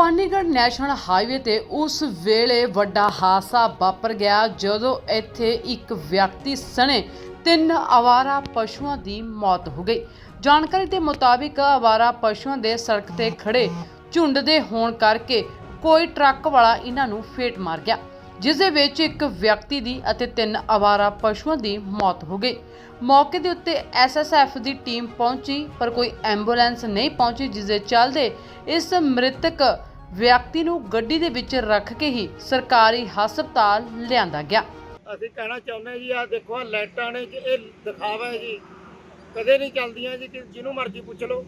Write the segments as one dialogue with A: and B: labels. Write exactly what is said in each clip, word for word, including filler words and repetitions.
A: Bhawanigarh national highway ਤੇ ਉਸ ਵੇਲੇ ਵੱਡਾ ਹਾਦਸਾ ਵਾਪਰ ਗਿਆ ਜਦੋਂ ਇੱਥੇ ਇੱਕ ਵਿਅਕਤੀ ਸਣੇ ਤਿੰਨ ਆਵਾਰਾ ਪਸ਼ੂਆਂ ਦੀ ਮੌਤ ਹੋ ਗਈ। ਜਾਣਕਾਰੀ ਦੇ ਮੁਤਾਬਿਕ ਆਵਾਰਾ ਪਸ਼ੂਆਂ ਦੇ ਸੜਕ ਤੇ ਖੜੇ ਝੁੰਡ ਦੇ ਹੋਣ ਕਰਕੇ ਕੋਈ ਟਰੱਕ ਵਾਲਾ ਇਹਨਾਂ ਨੂੰ ਫੇਟ ਮਾਰ ਗਿਆ, ਜਿਸ ਦੇ ਵਿੱਚ ਇੱਕ ਵਿਅਕਤੀ ਦੀ ਅਤੇ ਤਿੰਨ ਆਵਾਰਾ ਪਸ਼ੂਆਂ ਦੀ ਮੌਤ ਹੋ ਗਈ। ਮੌਕੇ ਦੇ ਉੱਤੇ ਐਸ ਐਸ ਐਫ ਦੀ ਟੀਮ ਪਹੁੰਚੀ ਪਰ ਕੋਈ ਐਂਬੂਲੈਂਸ ਨਹੀਂ ਪਹੁੰਚੀ, ਜਿਸ ਦੇ ਚੱਲਦੇ ਇਸ ਮ੍ਰਿਤਕ ਵਿਅਕਤੀ ਨੂੰ ਗੱਡੀ ਦੇ ਵਿੱਚ ਰੱਖ ਕੇ ਹੀ ਸਰਕਾਰੀ ਹਸਪਤਾਲ ਲਿਆਂਦਾ ਗਿਆ।
B: ਅਸੀਂ ਕਹਿਣਾ ਚਾਹੁੰਦੇ ਜੀ, ਆ ਦੇਖੋ ਆ ਲਾਈਟਾਂ ਨੇ ਜੀ, ਇਹ ਦਿਖਾਵਾ ਹੈ ਜੀ, ਕਦੇ ਨਹੀਂ ਚੱਲਦੀਆਂ ਜੀ, ਜਿਹਨੂੰ ਮਰਜ਼ੀ ਪੁੱਛ ਲਓ।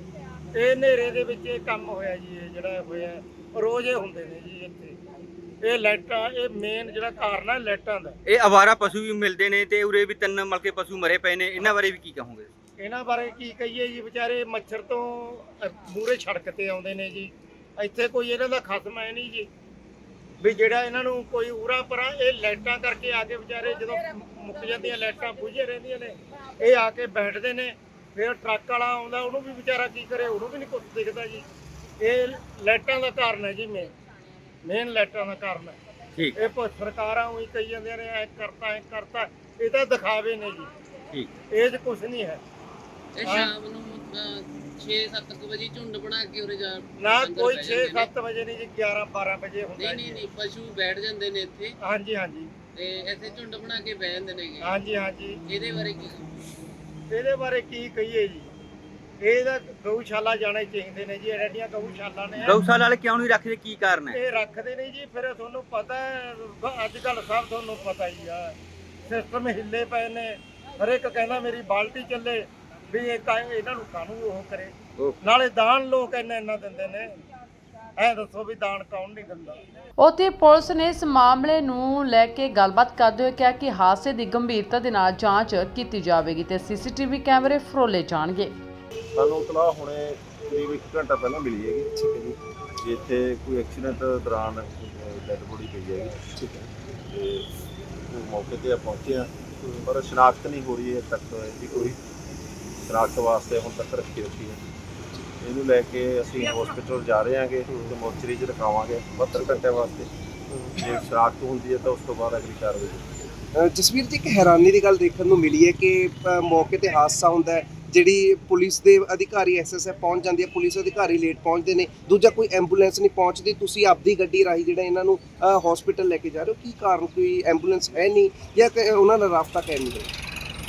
B: ਇਹ ਹਨੇਰੇ ਦੇ ਵਿੱਚ ਇਹ ਕੰਮ ਹੋਇਆ ਜੀ, ਇਹ ਜਿਹੜਾ ਹੋਇਆ ਰੋਜ਼ ਇਹ ਹੁੰਦੇ ਨੇ ਜੀ ਇੱਥੇ। ਇਹ ਲਾਈਟਾਂ, ਇਹ ਮੇਨ ਜਿਹੜਾ ਕਾਰਨ ਹੈ ਲਾਈਟਾਂ ਦਾ।
C: ਇਹ ਆਵਾਰਾ ਪਸ਼ੂ ਵੀ ਮਿਲਦੇ ਨੇ ਤੇ ਉਰੇ ਵੀ ਤਿੰਨ ਮਲਕੇ ਪਸ਼ੂ ਮਰੇ ਪਏ ਨੇ, ਇਹਨਾਂ ਬਾਰੇ ਵੀ ਕੀ ਕਹੋਗੇ?
B: ਇਹਨਾਂ ਬਾਰੇ ਕੀ ਕਹੀਏ ਜੀ, ਵਿਚਾਰੇ ਮੱਛਰ ਤੋਂ ਮੂਹਰੇ ਸੜਕ ਤੇ ਆਉਂਦੇ ਨੇ ਜੀ। ਇੱਥੇ ਕੋਈ ਇਹਨਾਂ ਦਾ ਖਸਮ ਹੈ ਨਹੀਂ ਜੀ ਵੀ ਜਿਹੜਾ ਇਹਨਾਂ ਨੂੰ ਕੋਈ ਉਰਾ ਪਰਾਂ। ਇਹ ਲਾਈਟਾਂ ਕਰਕੇ ਆ ਕੇ ਵਿਚਾਰੇ ਜਦੋਂ ਮੁੱਕ ਜਾਂਦੀਆਂ ਲਾਈਟਾਂ ਬੁਝੇ ਰਹਿੰਦੀਆਂ ਨੇ, ਇਹ ਆ ਕੇ ਬੈਠਦੇ ਨੇ। ਫਿਰ ਟਰੱਕ ਵਾਲਾ ਆਉਂਦਾ, ਉਹਨੂੰ ਵੀ ਵਿਚਾਰਾ ਕੀ ਕਰੇ, ਉਹਨੂੰ ਵੀ ਨਹੀਂ ਕੁਛ ਦਿਖਦਾ ਜੀ। ਇਹ ਲਾਈਟਾਂ ਦਾ ਕਾਰਨ ਹੈ ਜੀ, ਮੇਨ ਮੇਨ ਲਾਈਟਾਂ ਦਾ ਕਾਰਨ ਹੈ।
C: ਠੀਕ,
B: ਇਹ ਸਰਕਾਰਾਂ ਉਹੀ ਕਹੀ ਜਾਂਦੀਆਂ ਨੇ ਐ ਕਰਤਾ ਐ ਕਰਤਾ, ਇਹ ਤਾਂ ਦਿਖਾਵੇ ਨੇ ਜੀ।
C: ਠੀਕ,
B: ਇਹ 'ਚ ਕੁਛ ਨਹੀਂ ਹੈ।
D: ਇਹ ਸ਼ਾਮ ਨੂੰ ਛੇ ਸੱਤ ਵਜੇ ਝੁੰਡ ਬਣਾ ਕੇ ਉਰੇ ਜਾ
B: ਨਾ ਕੋਈ ਛੇ ਸੱਤ ਵਜੇ ਨਹੀਂ ਜੀ, ਗਿਆਰਾਂ ਬਾਰਾਂ ਵਜੇ ਹੁੰਦਾ
D: ਨਹੀਂ
B: ਜੀ।
D: ਨਹੀਂ ਨਹੀਂ ਪਸ਼ੂ ਬੈਠ ਜਾਂਦੇ ਨੇ ਇੱਥੇ।
B: ਹਾਂਜੀ ਹਾਂਜੀ
D: ਤੇ ਇੱਥੇ ਝੁੰਡ ਬਣਾ ਕੇ ਬਹਿ ਜਾਂਦੇ ਨੇਗੇ।
B: ਹਾਂਜੀ ਹਾਂਜੀ
D: ਇਹਦੇ ਬਾਰੇ ਕੀ?
B: ਇਹਦੇ ਬਾਰੇ ਕੀ ਕਹੀਏ ਜੀ, ਇਹਦਾ ਗਊਸ਼ਾਲਾ ਜਾਣੇ ਚਾਹੀਦੇ ਨੇ ਜੀ। ਐਡੀਆਂ ਗਊਸ਼ਾਲਾ ਨੇ,
C: ਗਊਸ਼ਾਲਾ ਵਾਲੇ ਕਿਉਂ ਨਹੀਂ ਰੱਖਦੇ, ਕੀ ਕਾਰਨ ਹੈ?
B: ਇਹ ਰੱਖਦੇ ਨਹੀਂ ਜੀ। ਫਿਰ ਤੁਹਾਨੂੰ ਪਤਾ ਹੈ ਅੱਜ ਕੱਲ ਸਭ ਤੁਹਾਨੂੰ ਪਤਾ ਹੀ ਆ, ਸਿਸਟਮ ਹਿੱਲੇ ਪਏ ਨੇ। ਹਰੇਕ ਕਹਿੰਦਾ ਮੇਰੀ ਬਾਲਟੀ ਚੱਲੇ, ਵੀ ਇਹ ਤਾਂ ਇਹਨਾਂ ਨੂੰ ਕਾਹਨੂੰ ਉਹ ਕਰੇ। ਨਾਲੇ ਦਾਨ ਲੋਕ ਇੰਨਾ ਇੰਨਾ ਦਿੰਦੇ ਨੇ, ਐ ਦੱਸੋ ਵੀ ਦਾਨ ਕੌਣ ਨਹੀਂ ਦਿੰਦਾ।
A: ਉੱਥੇ ਪੁਲਿਸ ਨੇ ਇਸ ਮਾਮਲੇ ਨੂੰ ਲੈ ਕੇ ਗੱਲਬਾਤ ਕਰਦੇ ਹੋਏ ਕਿਹਾ ਕਿ ਹਾਦਸੇ ਦੀ ਗੰਭੀਰਤਾ ਦੇ ਨਾਲ ਜਾਂਚ ਕੀਤੀ ਜਾਵੇਗੀ ਤੇ ਸੀ ਸੀ ਟੀ ਵੀ ਕੈਮਰੇ ਫਰੋਲੇ ਜਾਣਗੇ।
E: ਸਾਨੂੰ ਇਤਲਾਹ ਹੁਣੇ ਕਰੀਬ ਇੱਕ ਘੰਟਾ ਪਹਿਲਾਂ ਮਿਲੀ ਹੈਗੀ। ਠੀਕ ਹੈ ਜੀ, ਵੀ ਇੱਥੇ ਕੋਈ ਐਕਸੀਡੈਂਟ ਦੌਰਾਨ ਡੈਡ ਬੋਡੀ ਪਈ ਹੈਗੀ। ਠੀਕ ਹੈ, ਤੇ ਉਹ ਮੌਕੇ ਤੇ ਪਹੁੰਚੇ ਆ, ਪਰ ਸ਼ਨਾਖਤ ਨਹੀਂ ਹੋ ਰਹੀ ਹੈ ਤੱਕ ਇਹਦੀ ਕੋਈ ਸ਼ਨਾਖਤ ਵਾਸਤੇ ਹੁਣ ਤੱਕ ਰੱਖੀ ਰੱਖੀ ਹੈ। ਇਹਨੂੰ ਲੈ ਕੇ ਅਸੀਂ ਹਸਪੀਟਲ ਜਾ ਰਹੇ ਹਾਂਗੇ ਤੇ ਮੋਰਚਰੀ 'ਚ ਰਖਾਵਾਂਗੇ ਬਹੱਤਰ ਘੰਟੇ ਵਾਸਤੇ। ਜੇ ਸ਼ਨਾਖਤ ਹੁੰਦੀ ਹੈ ਤਾਂ ਉਸ ਤੋਂ ਬਾਅਦ ਅਗਲੀ ਕਾਰਵਾਈ।
F: ਜਸਵੀਰ ਜੀ, ਇੱਕ ਹੈਰਾਨੀ ਦੀ ਗੱਲ ਦੇਖਣ ਨੂੰ ਮਿਲੀ ਹੈ ਕਿ ਮੌਕੇ ਤੇ ਹਾਦਸਾ ਹੁੰਦਾ ਹੈ, ਜਿਹੜੀ ਪੁਲਿਸ ਦੇ ਅਧਿਕਾਰੀ ਐਸ ਐਸ ਐਫ ਪਹੁੰਚ ਜਾਂਦੀ ਹੈ, ਪੁਲਿਸ ਅਧਿਕਾਰੀ ਲੇਟ ਪਹੁੰਚਦੇ ਨੇ, ਦੂਜਾ ਕੋਈ ਐਂਬੂਲੈਂਸ ਨਹੀਂ ਪਹੁੰਚਦੀ, ਤੁਸੀਂ ਆਪਦੀ ਗੱਡੀ ਰਾਹੀਂ ਜਿਹੜਾ ਇਹਨਾਂ ਨੂੰ ਹਸਪੀਟਲ ਲੈ ਕੇ ਜਾ ਰਹੇ ਹੋ। ਕੀ ਕਾਰਨ, ਕੋਈ ਐਂਬੂਲੈਂਸ ਹੈ ਨਹੀਂ ਜਾਂ ਉਹਨਾਂ ਦਾ ਰਾਬਤਾ ਕਾਇਮ ਨਹੀਂ ਹੈ?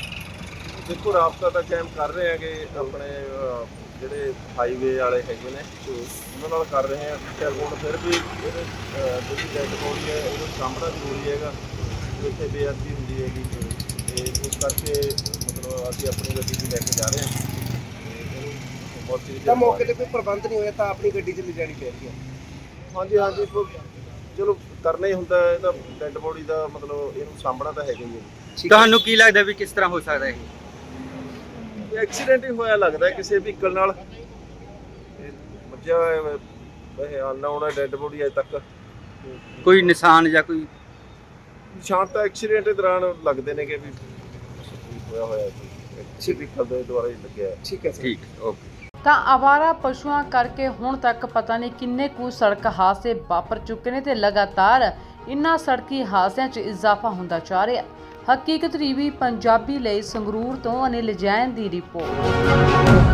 E: ਦੇਖੋ, ਰਾਬਤਾ ਤਾਂ ਕਾਇਮ ਕਰ ਰਹੇ ਹੈਗੇ, ਆਪਣੇ ਜਿਹੜੇ ਹਾਈਵੇ ਵਾਲੇ ਹੈਗੇ ਨੇ ਉਹਨਾਂ ਨਾਲ ਕਰ ਰਹੇ ਹਾਂ। ਚੱਲ ਹੁਣ ਫਿਰ ਵੀ ਇਹਦੇ ਜਿਹੜੀ ਡੈਡ ਬੋਡੀ ਹੈ ਉਹਨੂੰ ਸਾਂਭਣਾ ਜ਼ਰੂਰੀ ਹੈਗਾ, ਇੱਥੇ ਬੇਅਦਬੀ ਹੁੰਦੀ ਹੈਗੀ ਤੇ ਉਸ ਕਰਕੇ ਮਤਲਬ ਅਸੀਂ ਆਪਣੀ ਗੱਡੀ 'ਚ ਲੈ ਕੇ ਜਾ ਰਹੇ ਹਾਂ।
F: ਤਾਂ ਮੌਕੇ ਤੇ ਕੋਈ ਪ੍ਰਬੰਧ ਨਹੀਂ ਹੋਇਆ ਤਾਂ ਆਪਣੀ ਗੱਡੀ 'ਚ ਲਿਜਾਣੀ ਪੈ ਰਹੀ ਹੈ।
E: ਹਾਂਜੀ ਹਾਂਜੀ, ਚਲੋ ਕਰਨਾ ਹੀ ਹੁੰਦਾ ਹੈ, ਤਾਂ ਡੈਡ ਬੋਡੀ ਦਾ ਮਤਲਬ ਇਹਨੂੰ ਸਾਂਭਣਾ ਤਾਂ ਹੈਗਾ ਹੀ ਹੈ।
C: ਤੁਹਾਨੂੰ ਕੀ ਲੱਗਦਾ ਵੀ ਕਿਸ ਤਰ੍ਹਾਂ ਹੋ ਸਕਦਾ ਹੈ?
E: ਐਕਸੀਡੈਂਟ ਹੀ ਹੋਇਆ ਲੱਗਦਾ ਕਿਸੇ ਵਹੀਕਲ ਨਾਲ। ਮੱਝਾ ਵੈਸੇ ਅਨਨੋਨ ਹੈ ਡੈਡ ਬੋਡੀ ਅਜੇ ਤੱਕ।
C: ਕੋਈ ਨਿਸ਼ਾਨ ਜਾਂ ਕੋਈ
E: ਨਿਸ਼ਾਨ ਤਾਂ ਐਕਸੀਡੈਂਟ ਦੇ ਦੌਰਾਨ ਲੱਗਦੇ ਨੇ ਕਿ ਵੀ ਹੋਇਆ ਹੋਇਆ ਕਿਸੇ ਵਹੀਕਲ ਦੇ ਦੁਆਰਾ ਹੀ ਲੱਗਿਆ।
F: ਠੀਕ ਹੈ
C: ਠੀਕ, ਓਕੇ।
A: ਤਾਂ ਆਵਾਰਾ ਪਸ਼ੂਆਂ ਕਰਕੇ ਹੁਣ ਤੱਕ ਪਤਾ ਨਹੀਂ ਕਿੰਨੇ ਕੁ ਸੜਕ ਹਾਦਸੇ ਵਾਪਰ ਚੁੱਕੇ ਨੇ ਤੇ ਲਗਾਤਾਰ ਇਨ੍ਹਾਂ ਸੜਕੀ ਹਾਦਸਿਆਂ 'ਚ ਇਜ਼ਾਫਾ ਹੁੰਦਾ ਜਾ ਰਿਹਾ। ਹਕੀਕਤ ਟੀਵੀ ਪੰਜਾਬੀ ਲਈ ਸੰਗਰੂਰ ਤੋਂ ਅਨਿਲ ਜੈਨ ਦੀ ਰਿਪੋਰਟ।